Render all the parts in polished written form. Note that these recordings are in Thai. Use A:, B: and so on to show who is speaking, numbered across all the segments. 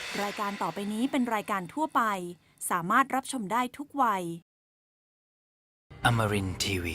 A: รายการต่อไปนี้เป็นรายการทั่วไปสามารถรับชมได้ทุกวัย
B: Amarin Tiwi.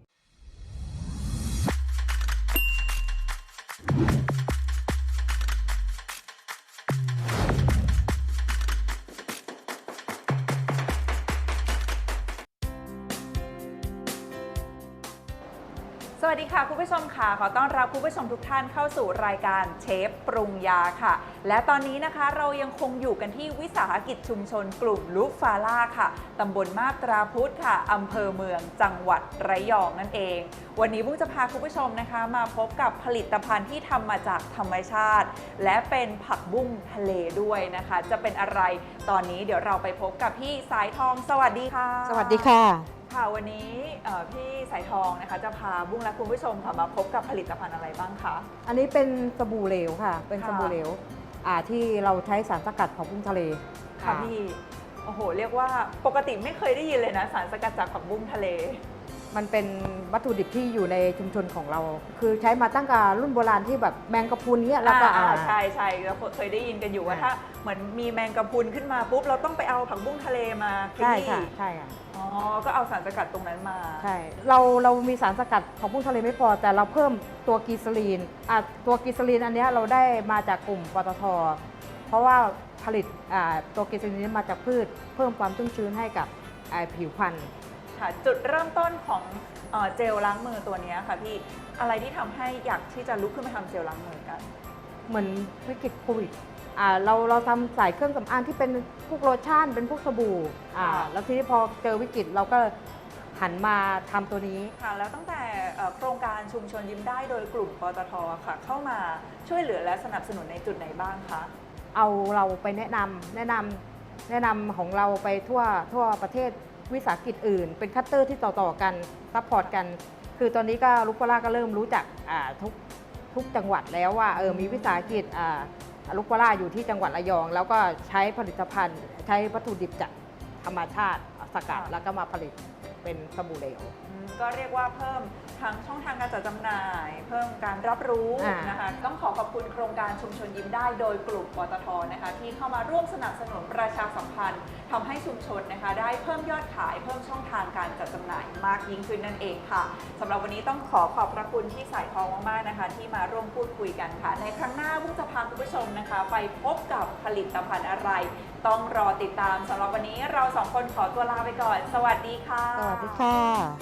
C: สวัสดีค่ะคุณผู้ชมค่ะขอต้อนรับคุณผู้ชมทุกท่านเข้าสู่รายการเชฟปรุงยาค่ะและตอนนี้นะคะเรายังคงอยู่กันที่วิสาหกิจชุมชนกลุ่มลูฟาล่าค่ะตำบลมาบตราพุธค่ะอำเภอเมืองจังหวัดระยองนั่นเองวันนี้บุ้งจะพาคุณผู้ชมนะคะมาพบกับผลิตภัณฑ์ที่ทำมาจากธรรมชาติและเป็นผักบุ้งทะเลด้วยนะคะจะเป็นอะไรตอนนี้เดี๋ยวเราไปพบกับพี่สายทองสวัสดีค่ะ
D: สวัสดีค่ะ
C: ค่ะวันนี้พี่สายทองนะคะจะพาบุ้งและคุณผู้ชมค่ะมาพบกับผลิตภัณฑ์อะไรบ้างคะ
D: อันนี้เป็นสบู่เหลวค่ะเป็นสบู่เหลวที่เราใช้สารสกัดของผักบุ้งทะเล
C: ค่ะพี่โอ้โหเรียกว่าปกติไม่เคยได้ยินเลยนะสารสกัดจากผักบุ้งทะเล
D: มันเป็นวัตถุดิบที่อยู่ในชุมชนของเราคือใช้มาตั้งแต่รุ่นโบราณที่แบบแมงกะพรุนเนี้ยแล้วก็
C: ใช่เราเคยได้ยินกันอยู่ว่าถ้าเหมือนมีแมงกะพรุนขึ้นมาปุ๊บเราต้องไปเอาผักบุ้งทะเลมาขยี้
D: ใช่ค่ะ
C: อ๋อก็เอาสารสกัดตรงนั้นมา
D: ใช่เรามีสารสกัดของผักบุ้งทะเลไม่พอแต่เราเพิ่มตัวกีซาลีนตัวกีซาลีนอันนี้เราได้มาจากกลุ่มปตท.เพราะว่าผลิตตัวกีซาลีนมาจากพืชเพิ่มความชุ่มชื้นให้กับผิวพรรณ
C: จุดเริ่มต้นของเจลล้างมือตัวนี้ค่ะพี่อะไรที่ทำให้อยากที่จะลุกขึ้นมาทำเจลล้างมือกัน
D: เหมือนวิกฤตโควิดเราทำสายเครื่องสำอางที่เป็นพวกโลชั่นเป็นพวกสบู่แล้วทีนี้พอเจอวิกฤตเราก็หันมาทำตัวนี้
C: ค่ะแล้วตั้งแต่โครงการชุมชนยิ้มได้โดยกลุ่มปตทค่ะเข้ามาช่วยเหลือและสนับสนุนในจุดไหนบ้างคะ
D: เอาเราไปแนะนำของเราไปทั่วประเทศวิสาหกิจอื่นเป็นคัตเตอร์ที่ต่อกันซัพพอร์ตกันคือตอนนี้ก็ลูกปลาก็เริ่มรู้จักทุกจังหวัดแล้วว่ามีวิสาหกิจลูกปลาอยู่ที่จังหวัดระยองแล้วก็ใช้ผลิตภัณฑ์ใช้วัตถุดิบจากธรรมชาติสกัดแล้วก็มาผลิตเป็นสบู่เหลว
C: ก็เรียกว่าเพิ่มทั้งช่องทางการจัดจำหน่ายเพิ่มการรับรู้นะคะต้องขอบคุณโครงการชุมชนยิ้มได้โดยกลุ่มปตทนะคะที่เข้ามาร่วมสนับสนุนประชาสัมพันธ์ทำให้ชุมชนนะคะได้เพิ่มยอดขายเพิ่มช่องทางการจัดจำหน่ายมากยิ่งขึ้นนั่นเองค่ะสำหรับวันนี้ต้องขอบพระคุณที่สายทองมากๆนะคะที่มาร่วมพูดคุยกันค่ะในครั้งหน้าบุ้งจะพาคุณผู้ชมนะคะไปพบกับผลิตภัณฑ์อะไรต้องรอติดตามสำหรับวันนี้เราสองคนขอตัวลาไปก่อนสวัสดีค่ะ
D: สวัสดีค่ะ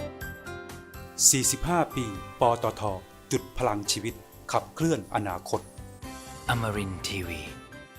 E: 45 ปี ปตท. จุดพลังชีวิตขับเคลื่อนอนาคต
B: Amarin Tiwi.